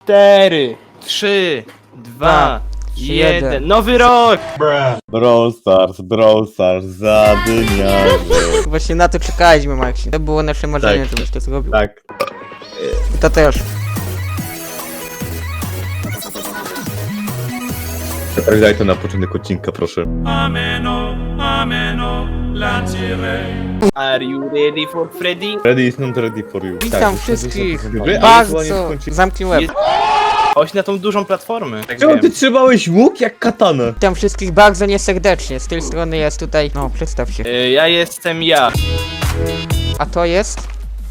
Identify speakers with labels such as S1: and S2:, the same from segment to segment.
S1: 4, 3, 2, 1. Nowy rok!
S2: Brawl Stars, zadymiarze.
S3: Właśnie na to czekaliśmy, Maxi. To było nasze marzenie,
S2: Tak.
S3: żebyś to zrobił.
S2: Tak.
S3: To też.
S2: Tak daj to na początek odcinka, proszę.
S1: Are you ready for Freddy?
S2: Ready is not ready for you.
S3: Witam
S2: Tak,
S3: wszystkich
S2: ale
S3: bardzo.
S2: słonie skończy-
S3: Zamknij łeb.
S1: Jest- Chodź na tą dużą platformę. Tak
S2: Czemu
S1: wiem.
S2: ty trzymałeś łuk jak katanę?
S3: Witam wszystkich bardzo nieserdecznie. Z tej strony jest tutaj. No, przedstaw się.
S1: Ja jestem ja.
S3: A to jest?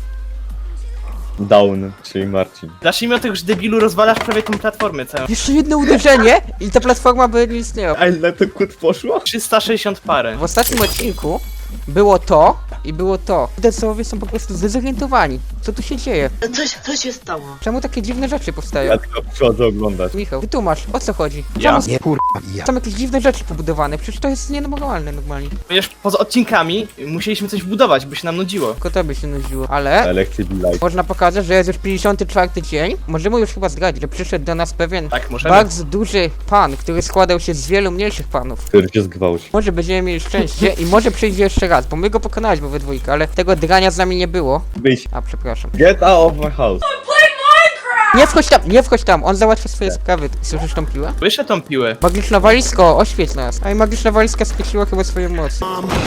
S2: Down, czyli Marcin.
S1: Zacznijmy od tego, że debilu rozwalasz prawie tą platformę całą.
S3: Jeszcze jedno uderzenie i ta platforma by nie istniała.
S2: A ile to kut poszło?
S1: 360 parę.
S3: W ostatnim odcinku było to i było to. Decowie są po prostu zdezorientowani. Co tu się dzieje?
S4: Co się stało?
S3: Czemu takie dziwne rzeczy powstają?
S2: Ja tylko przychodzę oglądać.
S3: Michał, wytłumacz, o co chodzi?
S1: Ja?
S3: Czemu są jakieś dziwne rzeczy pobudowane? Przecież to jest nienormalne normalnie.
S1: Ponieważ poza odcinkami musieliśmy coś budować, by się nam nudziło.
S3: Tylko to by się nudziło. Ale
S2: Elekcje be like.
S3: można pokazać, że jest już 54 dzień. Możemy już chyba zdradzić, że przyszedł do nas pewien
S1: Tak, możemy.
S3: bardzo duży pan, który składał się z wielu mniejszych panów.
S2: Który się zgwałci.
S3: Może będziemy mieli szczęście i może przyjdzie jeszcze raz, bo my go pokonaliśmy we dwójkę, ale tego drania z nami nie było.
S2: Wyjdź.
S3: A, przepraszam.
S2: Get out of my house.
S3: Nie wchodź tam, on załatwia swoje sprawy. Słyszysz tą piłę?
S1: Słyszę tą piłę.
S3: Magiczna walizko, oświeć nas. A i magiczna walizka skreśliła chyba swoje mocy.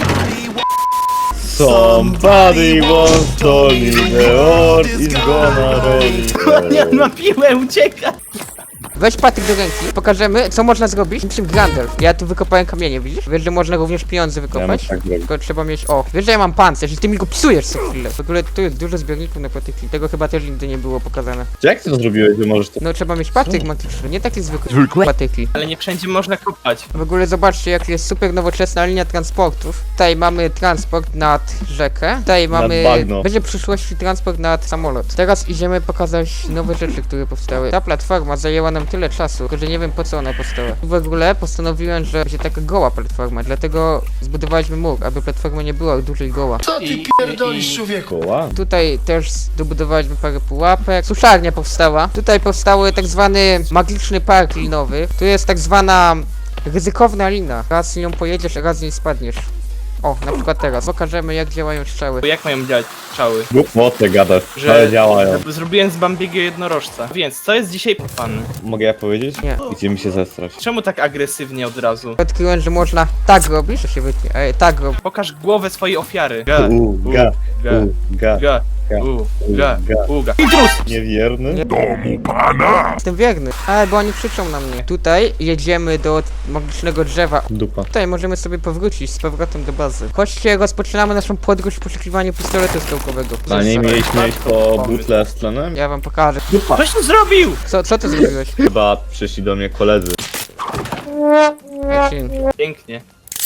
S2: Somebody once told me the world is gonna roll
S1: Nie, on ma piłę, ucieka!
S3: Weź Patryk do ręki, pokażemy co można zrobić niczym Grandel. Ja tu wykopałem kamienie, widzisz? Wiesz, że można również pieniądze wykopać?
S2: tak zrobić.
S3: Tylko trzeba mieć, o, wiesz, że ja mam pancerz i ty mi go psujesz co chwilę. W ogóle tu jest dużo zbiorników na patyki, tego chyba też nigdy nie było pokazane.
S2: Jak ty to zrobiłeś, że możesz to...
S3: No trzeba mieć patyk magiczny, nie takie zwykłe patyki.
S1: Ale nie wszędzie można kopać.
S3: W ogóle zobaczcie, jak jest super nowoczesna linia transportów. Tutaj mamy transport nad rzekę, tutaj mamy...
S2: bagno.
S3: Będzie w przyszłości transport nad samolot. Teraz idziemy pokazać nowe rzeczy, które powstały. Ta platforma zajęła nam tyle czasu, tylko że nie wiem po co ona powstała. W ogóle postanowiłem, że będzie taka goła platforma, dlatego zbudowaliśmy mur, aby platforma nie była duża i goła.
S5: Co ty pierdolisz, człowieku?
S2: Koła?
S3: Tutaj też dobudowaliśmy parę pułapek. Suszarnia powstała. Tutaj powstały tak zwany magiczny park linowy. Tu jest tak zwana ryzykowna lina. Raz z nią pojedziesz, raz z niej spadniesz. O, na przykład teraz. Pokażemy jak działają strzały.
S1: Bo jak mają działać strzały?
S2: Głupotę gadasz,
S1: Że
S2: ale działają.
S1: zrobiłem z Bambiego jednorożca. Więc co jest dzisiaj pan?
S2: Mogę ja powiedzieć?
S3: Nie.
S2: Idziemy się zestrać.
S1: Czemu tak agresywnie od razu?
S3: Odkryłem, że można tak robić, to się wytnie. Tak robić.
S1: Pokaż głowę swojej ofiary.
S2: Uga,
S1: ga,
S2: uga.
S1: uga. Intruz!
S2: Niewierny?
S3: Nie. Jestem wierny. Ale bo oni krzyczą na mnie. Tutaj jedziemy do magicznego drzewa.
S2: Dupa.
S3: Tutaj możemy sobie powrócić z powrotem do bazy. Chodźcie, rozpoczynamy naszą podróż w poszukiwaniu pistoletu skałkowego.
S2: A nie mieliśmy iść po butle z tlenem?
S3: Ja wam pokażę.
S1: Coś tu zrobił!
S3: Co ty zrobiłeś?
S2: Chyba przyszli do mnie koledzy.
S3: Marcin.
S1: Pięknie.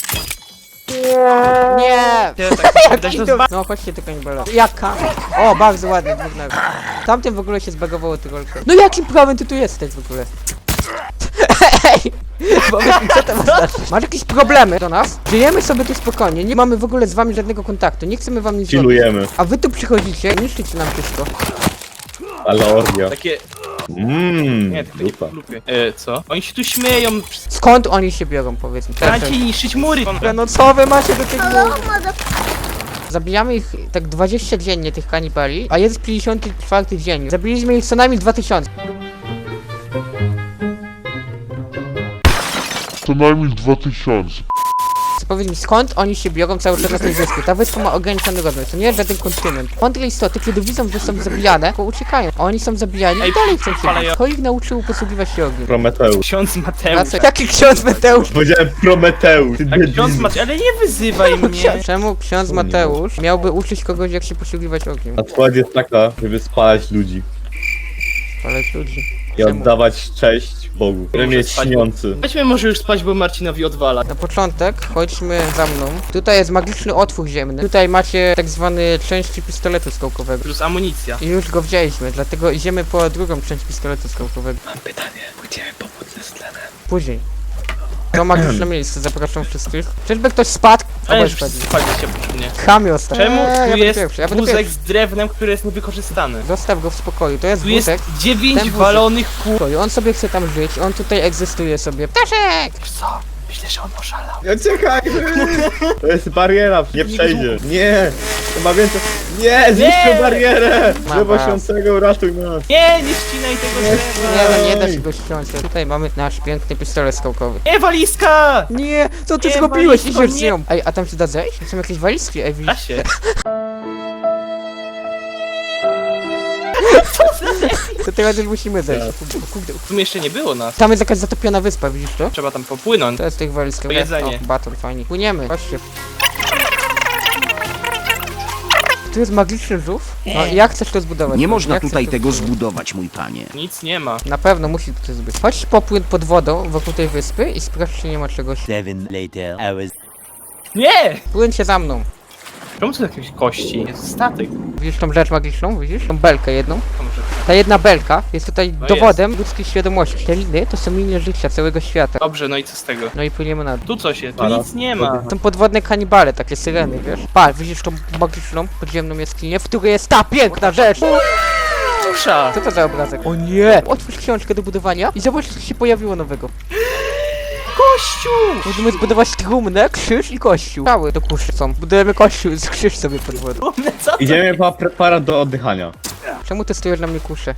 S3: Nie!
S1: Dać to zba-
S3: No chodźcie do kanibala. Jaka? O, bardzo ładnie, dwóch. Tamtym w ogóle się zbagowało tyrolkę. No jakim prawem ty tu jesteś w ogóle? Ej! Powiedz mi, co to ma znaczyć? Masz jakieś problemy do nas? Żyjemy sobie tu spokojnie, nie mamy w ogóle z wami żadnego kontaktu, nie chcemy wam nic zrobić.
S2: Chillujemy.
S3: A wy tu przychodzicie i niszczycie nam wszystko.
S2: Ale orgia.
S1: Takie... Nie, takie
S2: dupa.
S1: lubię. Co? Oni się tu śmieją.
S3: Skąd oni się biorą, powiedz mi?
S1: Dajcie niszczyć mury!
S3: No co wy macie do tych murów? Zabijamy ich tak 20 dziennie, tych kanibali, a jest 54 dzień. Zabiliśmy ich co najmniej 2000.
S5: Co najmniej 2000.
S3: Powiedz mi, skąd oni się biorą cały czas na tej wyspie? Ta wyspa ma ograniczony rozmiar, to nie jest żaden kontynent. Mądre istoty, kiedy widzą, że są zabijane, to uciekają. A oni są zabijani
S1: Ej,
S3: i dalej chcą się
S1: ale
S3: bić.
S1: ja-
S3: Kto ich nauczył posługiwać się ogniem?
S2: Prometeusz.
S1: Ksiądz Mateusz.
S3: Wracaj. Jaki ksiądz Mateusz?
S2: Powiedziałem Prometeusz. Ty
S1: Tak, ksiądz
S2: debil.
S1: Mateusz, ale nie wyzywaj mnie.
S3: Czemu ksiądz Mateusz miałby uczyć kogoś, jak się posługiwać ogniem?
S2: Odpowiedź jest taka, żeby spalać ludzi
S3: Ale ludzi.
S2: i
S3: Czemu?
S2: oddawać cześć Bogu, który
S1: Może
S2: jest
S1: spać,
S2: śniący.
S1: Chodźmy może już spać, bo Marcinowi odwala.
S3: Na początek chodźmy za mną. Tutaj jest magiczny otwór ziemny. Tutaj macie tak zwany części pistoletu skałkowego.
S1: Plus amunicja.
S3: I już go wzięliśmy, dlatego idziemy po drugą część pistoletu skałkowego.
S1: Mam pytanie, pójdziemy pomóc ze tlenem.
S3: Później. To magiczne miejsce, zapraszam wszystkich. Czyżby ktoś spadł?
S1: Ale
S3: Obaj
S1: już
S3: spadli.
S1: spaliście przy mnie.
S3: Chamie ostatni.
S1: Czemu
S3: ja
S1: tu
S3: będę
S1: jest
S3: pierwszy, ja będę
S1: wózek
S3: pierwszy.
S1: z drewnem, który jest niewykorzystany?
S3: Zostaw go w spokoju, to jest
S1: Tu jest
S3: wózek.
S1: 9
S3: ten wózek.
S1: walonych kół.
S3: Spokoju. On sobie chce tam żyć, on tutaj egzystuje sobie. Ptaszek!
S1: Wiesz co? Myślę, że on oszalał.
S2: Ja czekaj! To jest bariera, nie przejdzie. Nie! Chyba więcej. Nie! Zniszczył
S1: Nie!
S2: barierę!
S3: Ma
S2: Drzewo
S3: was.
S2: świętego, ratuj nas!
S1: Nie, nie ścinaj tego drzewa.
S3: Nie, no nie da się go ściąć. Tutaj mamy nasz piękny pistolet skałkowy.
S1: Nie, walizka!
S3: Nie, co ty
S1: Nie,
S3: zrobiłeś?
S1: walizko,
S3: Idziesz z
S1: nie.
S3: nią. Ej, a tam się da zejść? Są jakieś walizki, ej,
S1: Da
S3: widzisz?
S1: się.
S3: To teraz już musimy zejść. Kurde.
S1: W sumie jeszcze nie było nas.
S3: Tam jest jakaś zatopiona wyspa, widzisz to?
S1: Trzeba tam popłynąć.
S3: To jest tych walizkach.
S1: To jedzenie.
S3: O, baton, fajnie. Płyniemy, chodźcie. Tu jest magiczny żółw. No i jak chcesz to zbudować?
S4: Nie można
S3: Jak
S4: tutaj
S3: chcesz to
S4: tego
S3: zbudować?
S4: zbudować, mój panie.
S1: Nic nie ma.
S3: Na pewno musi to być. Chodź popłyń pod wodą wokół tej wyspy i sprawdź, czy nie ma czegoś.
S4: 7 later hours.
S1: Nie!
S3: Płyńcie za mną.
S1: Czemu to jakieś kości? Jest statek.
S3: Widzisz tą rzecz magiczną? Widzisz? Tą belkę jedną?
S1: To może...
S3: Ta jedna belka jest tutaj
S1: No
S3: dowodem ludzkiej świadomości. Te liny to są linie życia całego świata.
S1: Dobrze, no i co z tego?
S3: No i płyniemy na dół.
S1: Tu coś jest, tu
S2: Halo?
S1: nic nie ma.
S3: Są podwodne kanibale, takie syreny, wiesz? Pa, widzisz tą magiczną, podziemną jaskinię, w której jest ta piękna rzecz!
S1: Tusza!
S3: Co to za obrazek? O nie! Otwórz książkę do budowania i zobacz, co się pojawiło nowego.
S1: Kościół!
S3: Możemy zbudować trumnę, krzyż i kościół. Cały do kuszy są. Budujemy kościół z krzyż sobie pod wodą.
S1: Co to?
S2: Idziemy po preparat do oddychania.
S3: Czemu ty stojesz na mnie kuszę?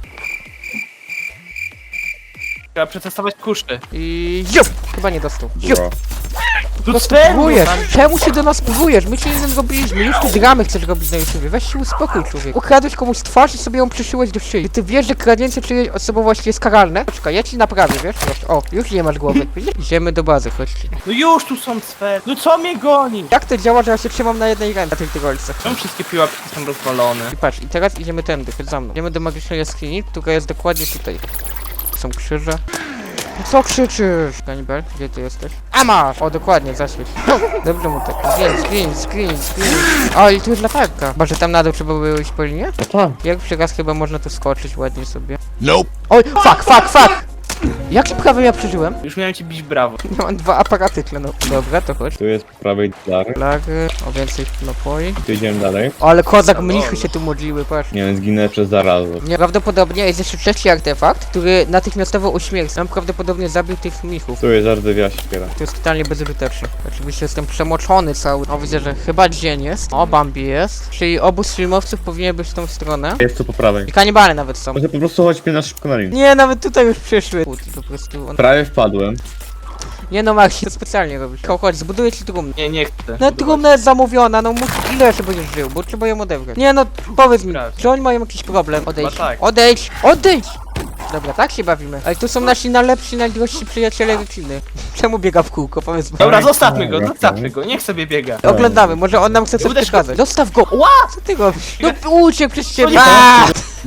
S1: Trzeba przetestować kuszy.
S3: I ziup! Chyba nie dostał. Ziup!
S2: Bro.
S1: Tu spermu!
S3: Próbujesz! Czemu się do nas próbujesz? My cię nie zrobiliśmy. Już tu dramy chcesz robić na YouTubie. Weź się uspokój, człowiek. Ukradłeś komuś twarz i sobie ją przyszyłeś do szyi. Ty wiesz, że kradnięcie czyjejś osobowości jest karalne? Poczekaj, ja ci naprawię, wiesz? Proszę. O, już nie masz głowy. Widzisz? Idziemy do bazy, chodźcie.
S1: No już tu są sfery. No co mnie goni?
S3: Jak to działa, że ja się trzymam na jednej ręce na tych tygodźcach?
S1: Czemu wszystkie piłapki są rozwalone?
S3: I patrz, i teraz idziemy tędy, chodź za mną. Idziemy do magicznej jaskini, która jest dokładnie tutaj. Są krzyże. No co krzyczysz? Kanibal, gdzie ty jesteś? A masz! O, dokładnie, zaświeć. Dobrze mu tak. Screen. O, i tu jest latarka. Może tam na dół trzeba było iść po linie?
S2: No tak.
S3: Pierwszy raz chyba można tu skoczyć ładnie sobie.
S4: Nope.
S3: Oj, fuck! Jakim prawem ja przeżyłem?
S1: Już miałem ci bić brawo.
S3: Ja mam 2 aparaty tlenowe. Dobra, to chodź.
S2: Tu jest po prawej dar.
S3: Flagry, o więcej napoi.
S2: Tu idziemy dalej.
S3: O, ale kozak mnichy się tu modliły, patrz.
S2: Nie wiem, zginę przez zarazę.
S3: Prawdopodobnie jest jeszcze trzeci artefakt, który natychmiastowo uśmierci. On prawdopodobnie zabił tych mnichów.
S2: Tu jest ardewia siekiera.
S3: To jest totalnie bezużyteczny. Oczywiście jestem przemoczony cały. O, widzę, że chyba dzień jest. O, Bambi jest. Czyli obóz filmowców powinien być w tą stronę.
S2: Jest tu po prawej.
S3: I kanibale nawet są.
S2: Może po prostu chodźmy na szybko na linię.
S3: Nie, nawet tutaj już przyszły. I po prostu on...
S2: Prawie wpadłem.
S3: Nie no, Maxi, to specjalnie robisz. Chodź, zbuduję ci trumnę.
S1: Nie chcę.
S3: No trumna jest zamówiona, no ile jeszcze będziesz żył, bo trzeba ją odebrać. Nie no, powiedz mi,
S1: Sprawdź.
S3: czy oni mają jakiś problem? Odejdź.
S1: Chyba tak.
S3: Odejdź! Dobra, tak się bawimy. Ale tu są nasi najlepsi, najdrożsi przyjaciele rodziny. Czemu biega w kółko, powiedz mi.
S1: Dobra, zostawmy go, niech sobie biega.
S3: Oglądamy, może on nam chce coś
S1: Uderz go.
S3: przekazać. Zostaw go! Ła! Co ty robisz? No uciekł przez ciebie!
S1: nie
S3: Aaa!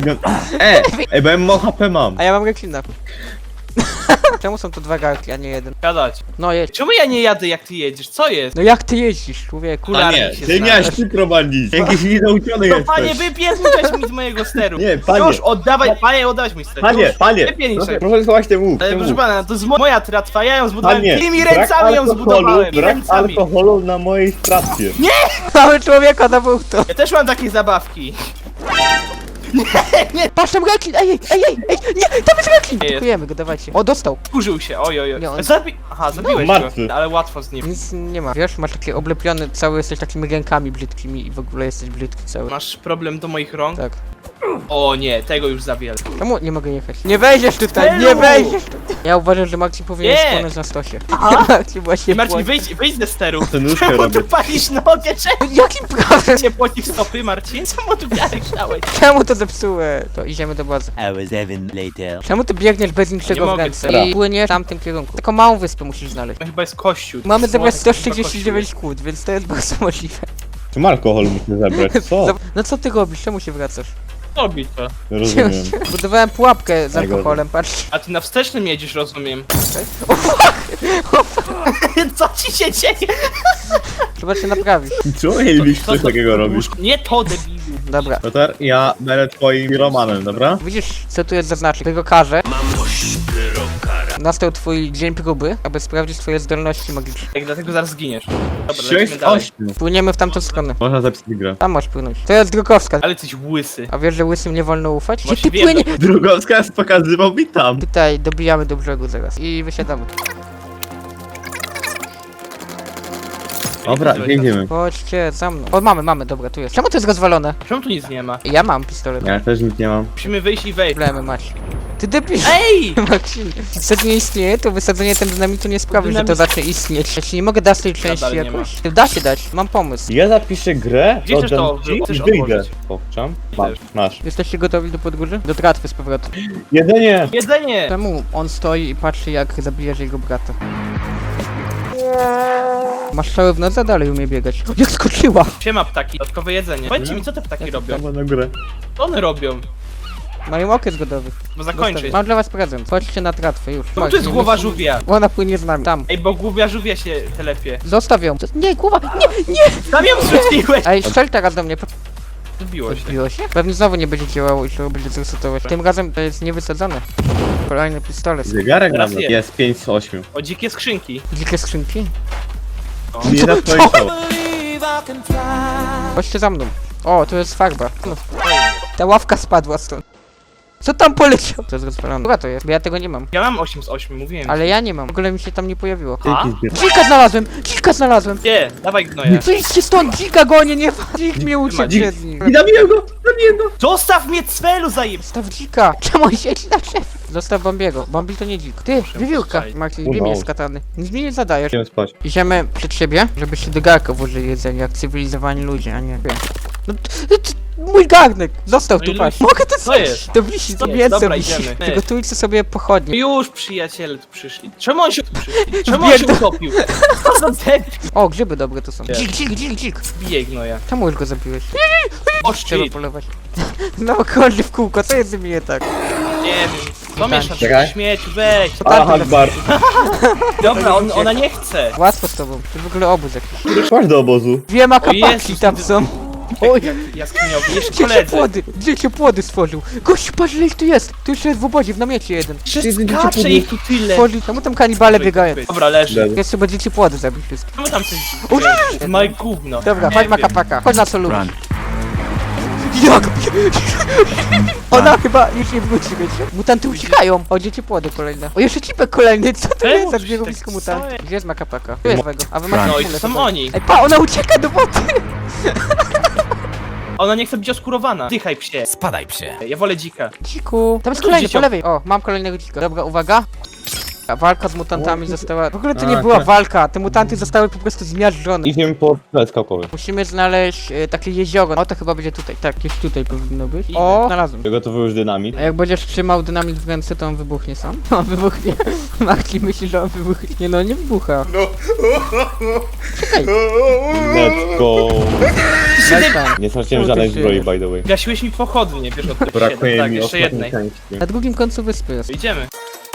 S2: Bo ja mało HP mam.
S3: A ja mam reklinę. Czemu są to 2 garki, a nie jeden?
S1: Gadać.
S3: No jedź.
S1: Czemu ja nie jadę jak ty jedziesz? Co jest?
S3: No jak ty jeździsz, człowieku?
S1: Kula-
S2: A nie,
S1: się
S2: ty
S1: zna.
S2: miałeś ty prowadzić. Jakiś nienauczony
S1: No
S2: jesteś.
S1: panie, wypierniczać mi z mojego steru.
S2: Nie, panie.
S1: Już, oddawaj mój ster.
S2: Panie,
S1: Już.
S2: panie,
S1: Wypierniczaj.
S2: proszę schować ten łuk.
S1: Ale
S2: ten
S1: proszę
S2: łuk.
S1: pana, to jest moja tratwa, ja ją zbudowałem.
S2: Panie,
S1: Tymi
S2: brak
S1: ręcami ją
S2: alkoholu,
S1: zbudowałem.
S2: brak
S1: Ręcami.
S2: alkoholu na mojej stracie.
S3: Mamy człowieka na to.
S1: Ja też mam takie zabawki.
S3: Patrz tam reklin! Ej, nie, tam jest reklin!
S1: Nie jest.
S3: Dziękujemy go, dawajcie. O, dostał.
S1: Kurzył się, oj.
S3: Nie, on-
S1: Aha, zabiłeś
S2: martwy.
S1: go, ale łatwo z nim.
S3: Nic nie ma. Wiesz, masz takie oblepione, cały jesteś takimi rękami brzydkimi i w ogóle jesteś brzydki cały.
S1: Masz problem do moich rąk?
S3: Tak.
S1: O nie, tego już za wiele.
S3: Czemu nie mogę jechać? Nie wejdziesz tutaj,
S1: Stelu!
S3: nie wejdziesz tutaj. Ja uważam, że Maxi powinien
S1: Nie!
S3: spłonąć na stosie. Maxi właśnie
S1: Marcin,
S3: płonie.
S1: wyjdź ze steru.
S2: Tę nóżkę
S1: Czemu
S2: robię.
S1: tu palisz nogę? Czemu
S3: Jakim prawem?
S1: cię pocisk stopy, Marcin? Czemu tu wiarek dałeś?
S3: Czemu to zepsułeś? To idziemy do bazy.
S4: Hour 7 later.
S3: Czemu ty biegniesz bez niczego
S1: Nie
S3: w
S1: mogę,
S3: ręce
S2: dobra.
S3: i płyniesz w tamtym kierunku? Taką małą wyspę musisz znaleźć.
S1: To chyba jest kościół.
S3: Mamy zebrać
S1: Słonek, chyba
S3: 139 kłód, więc to jest bardzo możliwe.
S2: Czym alkohol muszę zebrać? Co?
S3: No co ty robisz? Czemu się wracasz?
S1: kościół. Robi to.
S2: Nie rozumiem.
S3: Budowałem pułapkę z
S2: Najgorzej.
S3: alkoholem, patrz.
S1: A ty na wstecznym jedziesz, rozumiem.
S3: O fuck!
S1: Co ci się dzieje?
S3: Trzeba cię naprawić.
S2: Czemu mielibyśmy coś takiego robić?
S1: Nie to, debilu.
S3: Dobra.
S2: Lotar, ja będę twoim piromanem, dobra?
S3: Widzisz, co tu jest zaznaczek? Tego każę. Nastał twój dzień próby, aby sprawdzić twoje zdolności magiczne.
S1: Jak dlatego zaraz zginiesz. Dobra,
S2: 6
S1: lecimy
S2: z
S1: dalej.
S2: 8.
S3: Płyniemy w tamtą stronę.
S2: Można zapisać grę.
S3: Tam masz płynąć. To jest Drogowska.
S1: Ale coś łysy.
S3: A wiesz, że łysym nie wolno ufać? Gdzie
S1: Właśnie
S3: ty
S1: wiem,
S3: płynie?
S2: Drugowskaz pokazywał mi tam.
S3: Tutaj dobijamy do brzegu zaraz. I wysiadamy.
S2: Dobra, biegniemy.
S3: Chodźcie za mną. O, mamy, dobra, tu jest. Czemu to jest rozwalone?
S1: Czemu tu nic nie ma?
S3: Ja mam pistolet.
S2: Ja też nic nie mam.
S1: Musimy wyjść i wejść.
S3: Problemy masz. Ty debil.
S1: Ej!
S3: Maksim. Co nie istnieje, to wysadzenie ten dynamitu nie sprawi, że to
S1: Dynamit-
S3: zacznie istnieć. Ja ci nie mogę dać tej części
S1: nie
S3: jakoś. Da się dać, mam pomysł.
S2: Ja zapiszę grę,
S1: Gdzie chcesz to
S2: oddam ci
S1: chcesz
S2: i wyjdę.
S1: odłożyć?
S2: Popczam. Masz.
S3: Jesteście gotowi do podróży? Do tratwy z powrotem.
S2: Jedzenie!
S1: Jedzenie!
S3: Czemu on stoi i patrzy, jak zabijesz jego brata? Masz strzały w noc, a dalej umie biegać. Jak skoczyła!
S1: Siema ptaki, dodatkowe jedzenie. Powiedzcie mi, co te ptaki robią?
S2: Tam na górę.
S1: Co one robią?
S3: Mają okres godowy.
S1: Bo zakończyć.
S3: Mam dla was prezent. Chodźcie na tratwę, już.
S1: No to jest głowa żółwia.
S3: Ona płynie z nami. Tam.
S1: Ej, bo główia żółwia się telepie.
S3: Zostaw ją. Nie, głowa! Nie, nie!
S1: Tam ją zrzuciłeś!
S3: Ej, strzel teraz do mnie.
S1: Zbiło się.
S3: Zbiło się? Pewnie znowu nie będzie działało i trzeba będzie zresetować. Tym razem to jest niewysadzone. Kolejny pistolet.
S2: Zegarek
S1: Teraz
S2: nawet
S1: jest.
S2: jest 5 z 8.
S1: O dzikie skrzynki.
S3: Dzikie skrzynki?
S2: Nie na twoje show.
S3: Chodźcie za mną. O, to jest farba. No. Ta ławka spadła stąd. Co tam poleciał? To jest rozpalone. Dobra to jest, bo ja tego nie mam.
S1: Ja mam 8 z 8, mówiłem.
S3: Ale ja nie mam. W ogóle mi się tam nie pojawiło.
S1: A?
S2: Dzięki zbierz.
S3: Dzika znalazłem! Dzika znalazłem!
S1: Nie, dawaj gnoja.
S3: Wyjdźcie stąd! Dzika gonię, nie ma! Dzik mnie uciekł
S2: Dzik.
S3: przed nim.
S2: I zabiłem go! Zabiłem go!
S1: Zostaw mnie cwelu zajeb...
S3: Zostaw dzika! Czemu on siedzi na drzewie? Zostaw Bambiego. Bambi to nie dzik. Ty, wiewiórka!
S1: Słuchaj.
S3: Maxi, wiem jest katany. Nic mi nie zadajesz.
S2: Idziemy spać.
S3: Idziemy przed siebie, żebyście do garka włożyli jedzenie, jak cywilizowani ludzie, a nie... No, mój garnek! Został
S1: No
S3: tu,
S1: i
S3: patrz.
S1: luź-
S3: Mogę to
S1: Co
S3: zjeść!
S1: jest?
S3: To wisi, to
S1: jest?
S3: mięso
S1: Dobra,
S3: wisi.
S1: idziemy.
S3: Przygotujcie sobie pochodnie.
S1: Już przyjaciele tu przyszli. Czemu on się tu przyszli? Czemu on się
S3: Biedny.
S1: utopił? Co za debil?
S3: O, grzyby dobre to są.
S1: Gdzie?
S3: Dzik!
S1: Bijej gnoja.
S3: Czemu już go zabiłeś?
S1: O
S3: Trzeba
S1: shit.
S3: polować. No, krąży w kółko, co jest z nim nie tak?
S1: Nie wiem. Co mieszasz?
S2: Czekaj.
S1: Śmieć, weź.
S2: Aha, bar.
S1: Dobra, ona nie chce.
S3: Łatwo z tobą. To w ogóle obóz jakiś.
S2: Chodź do obozu.
S3: Dwie makapaki
S1: Jezus,
S3: tam są. Oj,
S1: Jaskiniowi, jeszcze
S3: gdzie się
S1: koledzy.
S3: płody? Gdzie się płody stworzył? Gościu, patrz ile ich tu jest. Tu jeszcze jest w obozie, w namiocie jeden.
S1: Skacze ich tu tyle.
S3: Tworzyli, czemu tam kanibale biegają?
S1: Dobra, leży.
S3: Jest chyba dzieci płody zabić wszystkie.
S1: Czemu tam coś...
S3: O,
S1: Maj gówno.
S3: Dobra,
S1: Nie
S3: chodź
S1: wiem.
S3: makapaka. Chodź na co lubisz.
S4: Run.
S3: Jak? Ona chyba już nie wróci, wiecie? Mutanty uciekają. O, dzieci płody kolejne. O, jeszcze cipek kolejny. Co to
S1: Czemu
S3: jest za
S1: coś
S3: zbiegowisko
S1: tak
S3: mutantów?
S1: stoi?
S3: Gdzie jest makapaka? Tu jest wego. A wy macie
S1: No i
S3: kulę
S1: to są
S3: sobie.
S1: oni.
S3: Ej, pa, ona ucieka do wody.
S1: Ona nie chce być oskurowana. Dychaj psie.
S4: Spadaj psie.
S1: Ja wolę dzika.
S3: Dziku. Tam jest
S1: Tu
S3: kolejny, po
S1: dzieciom.
S3: lewej. O, mam kolejnego dzika. Dobra, uwaga. A walka z mutantami została... W ogóle to nie
S2: A,
S3: była
S2: tak.
S3: walka. Te mutanty zostały po prostu zmiażdżone.
S2: Idziemy po plac skałkowy.
S3: Musimy znaleźć takie jezioro. O, to chyba będzie tutaj. Tak, gdzieś tutaj powinno być.
S1: Idę.
S3: O, znalazłem.
S2: Przygotowuj już dynamit.
S3: A jak będziesz trzymał dynamit w ręce, to on wybuchnie sam? On wybuchnie. Marki myśli, że on wybuchnie. No, nie wybucha. No. Czekaj.
S2: Let's go.
S3: Daj tam.
S2: Nie straciłem
S3: O,
S2: żadnej
S3: ty
S2: zbroi,
S3: żyjesz.
S2: by the way.
S1: Gasiłeś mi pochodnie, wiesz o tym.
S2: Brakuje
S1: Tak,
S2: mi
S1: jeszcze
S2: ostatniej
S1: jednej.
S2: części.
S3: Na drugim końcu wyspy jest.
S1: Idziemy.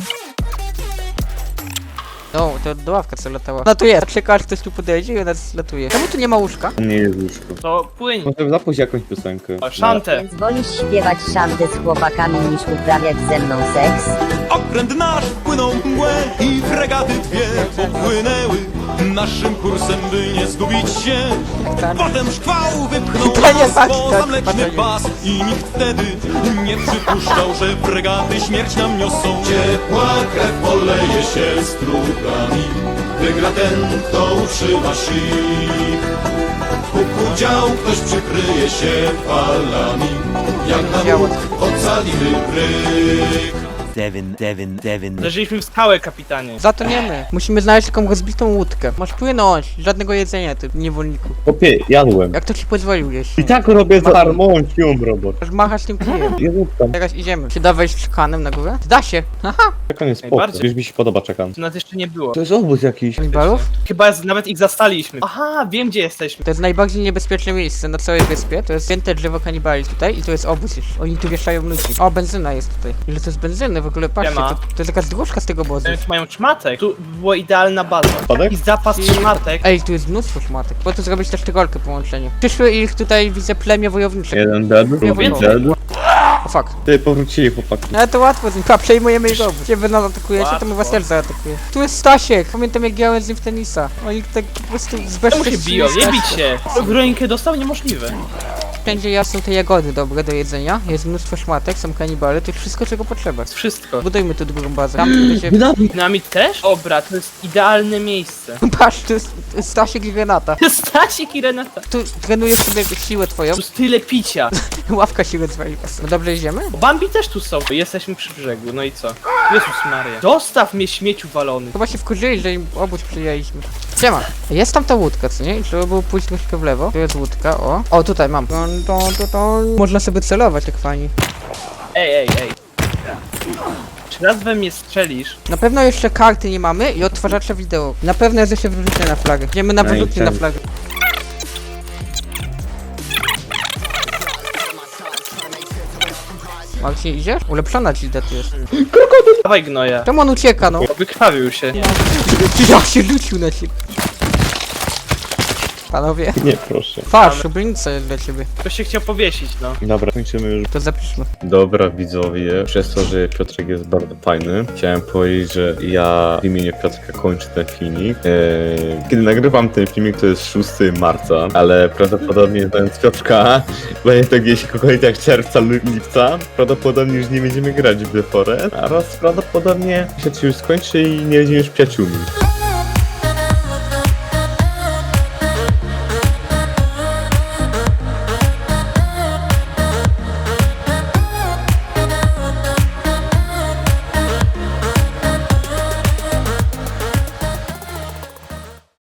S3: O, to do ławka co latała. No tu jest. Czeka aż ktoś tu podejdzie i ona zlatuje. Czemu tu nie ma łóżka?
S2: Nie jest łóżko.
S1: To płyń.
S2: Może zapuść jakąś piosenkę.
S1: O, szantę.
S6: Więc wolisz śpiewać szanty z chłopakami niż uprawiać ze mną seks?
S7: Okręt nasz wpłynął w mgłę i fregaty dwie popłynęły naszym kursem, by nie zgubić się. Potem szkwał wypchnął
S3: To nie
S7: nas
S3: tak,
S7: poza
S3: tak,
S7: mleczny
S3: tak.
S7: pas i nikt wtedy nie przypuszczał, że fregaty śmierć nam niosą. Ciepła krew poleje się strugami, wygra ten, kto utrzyma sił. Kuku dział, ktoś przykryje się falami, jak na
S3: Działa.
S7: łuk ocalimy bryk.
S4: Seven.
S1: Leżyliśmy w skałę, kapitanie.
S3: Zatoniemy. Musimy znaleźć taką rozbitą łódkę. Masz płynąć. Żadnego jedzenia, ty niewolniku.
S2: Popie, jadłem.
S3: Jak to ci pozwolił jeść?
S2: I tak robię za darmo, cium robot.
S3: Aż machasz tym kijem.
S2: Jezus tam.
S3: Teraz idziemy. Czy da wejść czekanem na górę? Da się. Aha.
S2: Czekam jest spoko.
S1: Najbardziej.
S2: Już mi się podoba czekam.
S1: Tu nas jeszcze nie było.
S2: To jest obóz jakiś.
S3: Kanibalów?
S1: Chyba nawet ich zastaliśmy. Aha, wiem gdzie jesteśmy.
S3: To jest najbardziej niebezpieczne miejsce na całej wyspie. To jest święte drzewo kanibali tutaj i to jest obóz jeszcze. Oni tu wieszają ludzi. O, benzyna jest tutaj. Ile to jest benzyny? W ogóle patrzcie,
S1: Siema.
S3: to jest jakaś dróżka z tego obozu.
S1: Oni tu mają szmatek. Tu była idealna baza.
S2: Spadek?
S1: I zapas szmatek.
S3: Ej, tu jest mnóstwo szmatek. Po to zrobić też tygolkę połączenie. Przyszły ich tutaj, widzę, plemię wojownicze.
S2: Jeden dead, drugi
S3: wolno.
S2: dead.
S3: O fuck.
S2: Ty powrócili chłopaki.
S3: Ale to łatwo z nim, przejmujemy jego obóz. Gdzie wy nas atakujecie, to my was
S1: Łatwo.
S3: też zaatakujemy. Tu jest Stasiek, pamiętam jak grałem z nim w tenisa. Oni tak po prostu
S1: Czemu się biją? Nie bić się! W rękę dostał? Niemożliwe.
S3: Wszędzie ja są te jagody dobre do jedzenia, jest mnóstwo szmatek, są kanibale, to jest wszystko czego potrzeba.
S1: Wszystko.
S3: Budujmy tu drugą bazę. Tam będzie...
S1: Dynamit też? Dobra, to jest idealne miejsce.
S3: Patrz, to jest Stasiek i Renata.
S1: Stasiek i Renata.
S3: Tu trenujesz sobie siłę twoją.
S1: Tu jest tyle picia.
S3: Ławka siły twojej. No dobrze, idziemy?
S1: Bambi też tu są. Jesteśmy przy brzegu, no i co? Jezus Maria. Zostaw mnie, śmieciu walony.
S3: Chyba się wkurzyli, że im obóz przyjęliśmy. Siema. Jest tam ta łódka, co nie? I trzeba było pójść troszkę w lewo. Tu jest łódka, o. O, tutaj mam. Można sobie celować, jak fajnie.
S1: Ej. Czy raz we mnie strzelisz?
S3: Na pewno jeszcze karty nie mamy i odtwarzacza wideo. Na pewno jest jeszcze wyrzutnie na flagę. Idziemy na wyrzutnie na flagę. Marcin, idziesz? Ulepszona gilda tu jest.
S1: Dawaj gnoja.
S3: Czemu on ucieka, no?
S1: Wykrwawił się.
S3: Jak się rzucił na ciebie. Panowie.
S2: Nie, proszę.
S3: Patrz, szubienica jest dla ciebie.
S1: Ktoś się chciał powiesić, no.
S2: Dobra, kończymy już.
S3: To zapiszmy.
S2: Dobra widzowie, przez to, że Piotrek jest bardzo fajny, chciałem powiedzieć, że ja w imieniu Piotrka kończę ten filmik. Kiedy nagrywam ten filmik, to jest 6 marca, ale prawdopodobnie znając Piotrka, będzie to gdzieś jak czerwca lub lipca, prawdopodobnie już nie będziemy grać w The Forest, oraz prawdopodobnie się już skończy i nie będziemy już przyjaciółmi.